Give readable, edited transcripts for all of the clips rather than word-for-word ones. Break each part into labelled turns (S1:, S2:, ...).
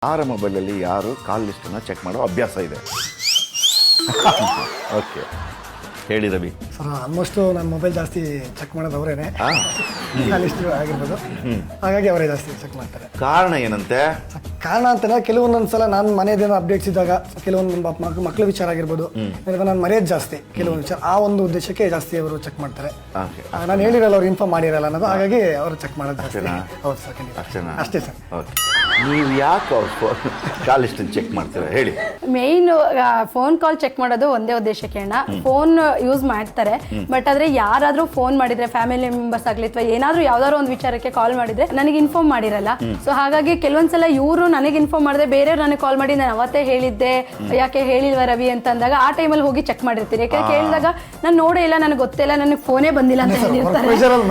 S1: ಯಾರ ಮೊಬೈಲಲ್ಲಿ ಯಾರು ಕಾಲ್ ಲಿಸ್ಟನ್ನು ಚೆಕ್ ಮಾಡೋ ಅಭ್ಯಾಸ ಇದೆ? ಓಕೆ, ಹೇಳಿ ರವಿ.
S2: ಸರ್ ಆಲ್ಮೋಸ್ಟ್ ನನ್ನ ಮೊಬೈಲ್ ಜಾಸ್ತಿ ಚೆಕ್ ಮಾಡೋದು ಅವರೇನೆ, ಲಿಸ್ಟ್ ಆಗಿರ್ಬೋದು. ಹಾಗಾಗಿ ಅವರೇ ಜಾಸ್ತಿ ಚೆಕ್ ಮಾಡ್ತಾರೆ.
S1: ಕಾರಣ ಏನಂತೆ?
S2: ಕಾರಣ ಅಂತಂದ್ರೆ ಕೆಲವೊಂದೊಂದ್ಸಲ ನಾನು ಮನೆಯದೇನೋ ಅಪ್ಡೇಟ್ಸ್ ಇದ್ದಾಗ ಕೆಲವೊಂದು ಮಕ್ಕಳ ವಿಚಾರ ಆಗಿರ್ಬೋದು, ನಾನು ಮರೆಯೋದು ಜಾಸ್ತಿ ಕೆಲವೊಂದು ವಿಚಾರ, ಆ ಒಂದು ಉದ್ದೇಶಕ್ಕೆ ಜಾಸ್ತಿ ಅವರು ಚೆಕ್ ಮಾಡ್ತಾರೆ. ನಾನು ಹೇಳಿರಲ್ಲ, ಅವ್ರು ಇನ್ಫಾರ್ಮ್ ಮಾಡಿರಲ್ಲ ಅನ್ನೋದು, ಹಾಗಾಗಿ ಅವರು ಚೆಕ್ ಮಾಡೋದು ಜಾಸ್ತಿ. ಹೌದು ಸರ್, ಖಂಡಿತ ಅಷ್ಟೇ ಸರ್.
S1: ನೀವು ಯಾಕೆ ಅವ್ರು ಕಾಲ್ ಲಿಸ್ಟನ್ನು ಚೆಕ್ ಮಾಡ್ತೀರಾ ಹೇಳಿ?
S3: ಮೇನ್ ಫೋನ್ ಕಾಲ್ ಚೆಕ್ ಮಾಡೋದು ಒಂದೇ ಉದ್ದೇಶಕ್ಕೆ ಅಣ್ಣ. ಫೋನ್ ಯೂಸ್ ಮಾಡ್ತಾರೆ, ಬಟ್ ಆದ್ರೆ ಯಾರಾದ್ರೂ ಫೋನ್ ಮಾಡಿದ್ರೆ ಫ್ಯಾಮಿಲಿ ಮೆಂಬರ್ಸ್ ಆಗ್ಲಿ ಅಥವಾ ಏನಾದ್ರೂ ಯಾವ್ದಾದ್ರು ಒಂದು ವಿಚಾರಕ್ಕೆ ಕಾಲ್ ಮಾಡಿದ್ರೆ ನನಗೆ ಇನ್ಫಾರ್ಮ್ ಮಾಡಿರಲ್ಲ. ಸೊ ಹಾಗಾಗಿ ಕೆಲವೊಂದ್ಸಲ ಇವರು ನನಗೆ ಇನ್ಫಾರ್ಮ್ ಮಾಡಿದ್ರೆ ಬೇರೆಯವ್ರು ನನಗೆ ಕಾಲ್ ಮಾಡಿ ನಾನು ಅವತ್ತೇ ಹೇಳಿದ್ದೆ ಯಾಕೆ ಹೇಳಿಲ್ವಾ ರವಿ ಅಂತ ಅಂದಾಗ ಆ ಟೈಮಲ್ಲಿ ಹೋಗಿ ಚೆಕ್ ಮಾಡಿರ್ತೀನಿ. ಯಾಕಂದ್ರೆ ಕೇಳಿದಾಗ ನಾನು ನೋಡೇ ಇಲ್ಲ, ನನಗೆ ಗೊತ್ತಿಲ್ಲ, ನನಗೆ ಫೋನೇ ಬಂದಿಲ್ಲ ಅಂತ ಹೇಳಿರ್ತಾರೆ.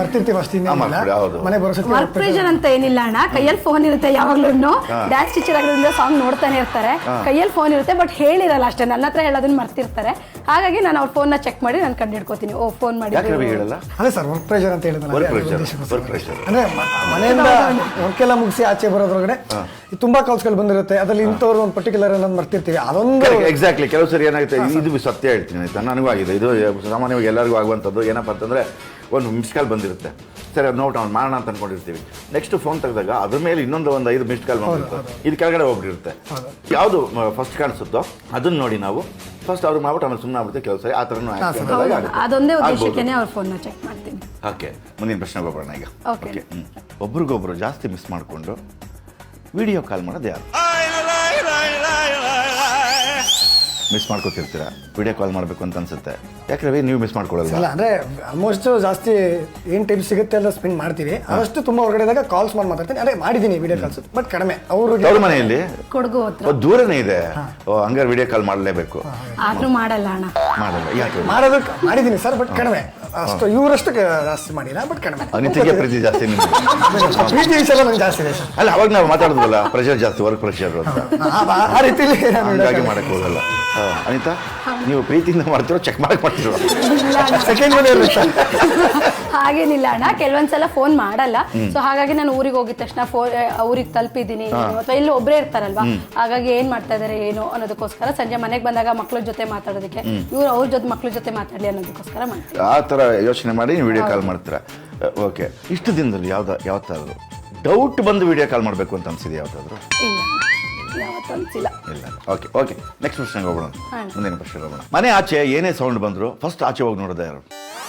S3: ವರ್ಕ್ ಪ್ರೆಷರ್ ಅಂತ ಏನಿಲ್ಲ ಅಣ್ಣ, ಕೈಯಲ್ಲಿ ಫೋನ್ ಇರುತ್ತೆ ಯಾವಾಗ್ಲೂ. ಡ್ಯಾನ್ಸ್ ಟೀಚರ್ ಆಗಿರೋದ್ರಿಂದ ಸಾಂಗ್ ನೋಡ್ತಾನೆ ಇರ್ತಾರೆ, ಕೈಯಲ್ಲಿ ಫೋನ್ ಇರುತ್ತೆ, ಬಟ್ ಹೇಳಿರಲ್ಲ ಅಷ್ಟೇ, ನನ್ನ ಹತ್ರ ಹೇಳೋದನ್ನ ಮರ್ತಿರ್ತಾರೆ. ಹಾಗಾಗಿ ನಾನು ಅವ್ರ ಫೋನ್ ನ ಚೆಕ್ ಮಾಡಿ ನಾನು ಕಂಡು ಹಿಡ್ಕೋತೀನಿ. ಓ, ಫೋನ್ ಮಾಡಿ.
S2: ಅದೇ ಸರ್, ವರ್ಕ್ ಪ್ರೆಷರ್ ಅಂತ ಹೇಳಿದ್ರೆ ಅಂದ್ರೆ ಮನೆಯಿಂದ ವರ್ಕ್ ಎಲ್ಲ ಮುಗಿಸಿ ಆಚೆ ಬರೋದ್ರೊಳಗಡೆ ತುಂಬಾ ಕಾಲ್ಸ್ಗಳು ಬಂದಿರುತ್ತೆ, ಅದ್ರಲ್ಲಿ ಇಂಥವ್ರು ಒಂದು ಪರ್ಟಿಕ್ಯುಲರ್ ಅನ್ನೋದು ಮರ್ತಿರ್ತೀವಿ. ಅದೊಂದು
S1: ಎಕ್ಸಾಕ್ಟ್ಲಿ ಕೆಲವು ಸರಿ ಏನಾಗುತ್ತೆ, ಇದು ಸತ್ಯ ಹೇಳ್ತೀನಿ ಆಯ್ತಾ, ನನಗೂ ಆಗಿದೆ ಇದು, ಸಾಮಾನ್ಯವಾಗಿ ಎಲ್ಲರಿಗೂ ಆಗುವಂಥದ್ದು. ಏನಪ್ಪ ಅಂತಂದ್ರೆ ಒಂದು ಮಿಸ್ ಕಾಲ್ ಬಂದಿರುತ್ತೆ, ಸರಿ ಅದು ನೋಟ್ ಅವ್ನು ಮಾಡೋಣ ಅಂತ ಅನ್ಕೊಂಡಿರ್ತೀವಿ. ನೆಕ್ಸ್ಟ್ ಫೋನ್ ತೆಗೆದಾಗ ಅದ್ರ ಮೇಲೆ ಇನ್ನೊಂದು 5 ಮಿಸ್ಡ್ ಕಾಲ್ ಬಂದಿರುತ್ತೆ, ಇದು ಕೆಳಗಡೆ ಹೋಗ್ಬಿಟ್ಟಿರುತ್ತೆ. ಯಾವುದು ಫಸ್ಟ್ ಕಾಣಿಸುತ್ತೋ ಅದನ್ನ ನೋಡಿ ನಾವು ಫಸ್ಟ್ ಅವ್ರಿಗೆ ಮಾಡ್ಬಿಟ್ಟು ಆಮೇಲೆ ಸುಮ್ಮನೆ ಆಗ್ಬಿಡುತ್ತೆ. ಕೆಲವು ಸರಿ ಆ ಥರನೂ
S3: ಅದೊಂದೇ ಉದ್ದೇಶಕ್ಕೆ ಅವ್ರ ಫೋನ್ನ ಚೆಕ್ ಮಾಡ್ತೀನಿ.
S1: ಓಕೆ, ಮುಂದಿನ ಪ್ರಶ್ನೆಗೆ ಹೋಗೋಣ ಈಗ. ಓಕೆ, ಒಬ್ರಿಗೊಬ್ರು ಜಾಸ್ತಿ ಮಿಸ್ ಮಾಡಿಕೊಂಡು ವಿಡಿಯೋ ಕಾಲ್ ಮಾಡೋದು ಯಾರು? ಮಿಸ್ ಮಾಡ್ಕೊತಿರ್ತೀರಾ, ವಿಡಿಯೋ ಕಾಲ್ ಮಾಡಬೇಕು ಅಂತ ಅನ್ಸುತ್ತೆ, ಯಾಕೆ ನೀವು ಮಿಸ್ ಮಾಡ್ಕೊಳ್ಳಲ್ಲ?
S2: ಅಂದ್ರೆ ಆಲ್ಮೋಸ್ಟ್ ಜಾಸ್ತಿ ಏನ್ ಟೈಮ್ ಸಿಗುತ್ತೆ ಎಲ್ಲ ಸ್ಪೆಂಡ್ ಮಾಡ್ತೀವಿ. ಅಷ್ಟು ತುಂಬಾ ಹೊರಗಡೆದಾಗ ಕಾಲ್ಸ್ ಮಾಡಿ ಮಾತಾಡ್ತೀನಿ. ಅದೇ ಮಾಡಿದ್ದೀನಿ ವಿಡಿಯೋ ಕಾಲ್ಸ್, ಬಟ್ ಕಡಿಮೆ. ಅವ್ರ ಮನೆಯಲ್ಲಿ
S3: ಕೊಡಗು ಹತ್ರ
S1: ದೂರನೇ ಇದೆ, ಹಂಗಾರೆ ವಿಡಿಯೋ ಕಾಲ್ ಮಾಡಲೇಬೇಕು.
S3: ಆದ್ರೂ ಮಾಡಲ್ಲ ಅಣ್ಣ,
S1: ಮಾಡಲ್ಲ. ಯಾಕೆ?
S2: ಮಾಡೋದಕ್ಕೆ ಮಾಡಿದ್ದೀನಿ ಸರ್, ಬಟ್ ಕಡಿಮೆ. ಅಷ್ಟು ಇವರಷ್ಟು ಜಾಸ್ತಿ ಮಾಡಿಲ್ಲ, ಬಟ್ ಕಡಿಮೆ.
S1: ಅನಿತಿಗೆ ಪ್ರೀತಿ ಜಾಸ್ತಿ,
S2: ಪ್ರೀತಿ ವಿಷಯ ನಂಗೆ ಜಾಸ್ತಿ ಇದೆ ಸರ್.
S1: ಅಲ್ಲ, ಅವಾಗ ನಾವು ಮಾತಾಡೋದಲ್ಲ, ಪ್ರೆಷರ್ ಜಾಸ್ತಿ, ವರ್ಕ್ ಪ್ರೆಷರ್ ಅಂತ,
S2: ಆ ರೀತಿಲಿ
S1: ಹಾಗಾಗಿ ಮಾಡಕ್ ಹೋಗಲ್ಲ. ಅನಿತಾ, ನೀವು ಪ್ರೀತಿಯಿಂದ ಮಾಡ್ತಿರೋ ಚೆಕ್ ಮಾಡಕ್ ಮಾಡ್ತಿರೋ?
S2: ಸೆಕೆಂಡ್ ಮನೆ
S3: ಹಾಗೇನಿಲ್ಲ ಅಣ್ಣ, ಕೆಲವೊಂದ್ಸಲ ಫೋನ್ ಮಾಡಲ್ಲ. ಸೊ ಹಾಗಾಗಿ ನಾನು ಊರಿಗೆ ಹೋಗಿದ ತಕ್ಷಣ ಊರಿಗೆ ತಲುಪಿದ್ದೀನಿ ಅಥವಾ ಇಲ್ಲಿ ಒಬ್ಬರೇ ಇರ್ತಾರಲ್ವಾ, ಹಾಗಾಗಿ ಏನ್ ಮಾಡ್ತಾ ಇದಾರೆ ಏನು ಅನ್ನೋದಕ್ಕೋಸ್ಕರ ಸಂಜೆ ಮನೆಗೆ ಬಂದಾಗ ಮಕ್ಳ ಜೊತೆ ಮಾತಾಡೋದಕ್ಕೆ, ಇವ್ರು ಅವ್ರ ಜೊತೆ ಮಕ್ಳ ಜೊತೆ ಮಾತಾಡ್ಲಿ ಅನ್ನೋದಕ್ಕೋಸ್ಕರ ಮಾಡ್ತಾರೆ.
S1: ಆ ತರ ಯೋಚನೆ ಮಾಡಿ ನೀವು ವಿಡಿಯೋ ಕಾಲ್ ಮಾಡ್ತೀರಾ. ಓಕೆ, ಇಷ್ಟು ದಿನದಲ್ಲಿ ಯಾವತ್ತಾದ್ರು ಡೌಟ್ ಬಂದು ವಿಡಿಯೋ ಕಾಲ್ ಮಾಡಬೇಕು ಅಂತ ಅನ್ಸಿದೆ ಯಾವತ್ತಾದ್ರು?
S3: ಇಲ್ಲ.
S1: ಓಕೆ ಓಕೆ, ನೆಕ್ಸ್ಟ್ ಪ್ರಶ್ನೆಗೆ ಹೋಗೋಣ. ಮುಂದಿನ ಪ್ರಶ್ನೆಗೆ ಹೋಗೋಣ. ಮನೆ ಆಚೆ ಏನೇ ಸೌಂಡ್ ಬಂದ್ರು ಫಸ್ಟ್ ಆಚೆ ಹೋಗಿ ನೋಡೋದು ಯಾರು?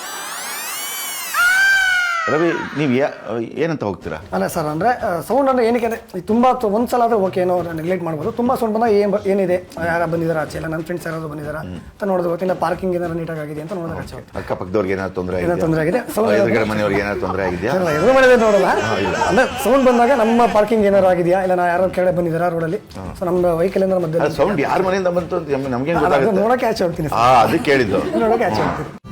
S1: ರವಿ, ನೀವು ಏನಂತ ಹೋಗ್ತೀರಾ?
S2: ಅಲ್ಲ ಸರ್, ಅಂದ್ರೆ ಸೌಂಡ್ ಅಂದ್ರೆ ಏನಕ್ಕೆ ಅಂದ್ರೆ ತುಂಬಾ ಒಂದ್ಸಲ ಆದ್ರೆ ಓಕೆ, ಏನೋ ನೆಗ್ಲೆಕ್ಟ್ ಮಾಡ್ಬೋದು. ತುಂಬಾ ಸೌಂಡ್ ಬಂದಾಗ ಏನಿದೆ, ಯಾರು ಬಂದಿದ್ದಾರೆ ಆಚೆ, ಇಲ್ಲ ನನ್ನ ಫ್ರೆಂಡ್ಸ್ ಯಾರಾದ್ರು ಬಂದಿದ್ದಾರೆ ಅಂತ ನೋಡೋದು ಗೊತ್ತಿಲ್ಲ, ಪಾರ್ಕಿಂಗ್ ಏನಾದ್ರು ನೀಟಾಗಿ ಆಗಿದೆ ಅಂತ ನೋಡೋದು ಆಚೆ.
S1: ಅಕ್ಕಪಕ್ಕದವ್ರಿಗೆ ಏನಾದ್ರು ತೊಂದರೆ
S2: ಆಗಿದೆ,
S1: ಎದುರುಗಡೆ ಮನೆಯವ್ರಿಗೆ ಏನಾದ್ರು ತೊಂದರೆ ಆಗಿದೆಯಾ?
S2: ಎದುರು ಮನೆ ನೋಡಲ್ಲ, ಅಂದ್ರೆ ಸೌಂಡ್ ಬಂದಾಗ ನಮ್ಮ ಪಾರ್ಕಿಂಗ್ ಏನಾರು ಆಗಿದೆಯಾ, ಇಲ್ಲ ನಾ ಯಾರು ಕೆಳಗಡೆ ಬಂದಿದ್ದಾರಾ ರೋಡಲ್ಲಿ, ಸೊ ನಮ್ಮ ವೆಹಿಕಲ್ ಏನಾದ್ರು ಮಧ್ಯೆ
S1: ಸೌಂಡ್ ಯಾರ ಮನೆಯಿಂದ ಬಂತು ಅಂತ ನಮ್ಗೆ
S2: ನೋಡಕ್ಕೆ ಆಚೆ ಹೋಗ್ತೀನಿ.
S1: ಅದು ಕೇಳಿದ್ದು.
S2: ನೋಡಕ್ಕೆ ಆಚೆ ಹೋಗ್ತೀನಿ.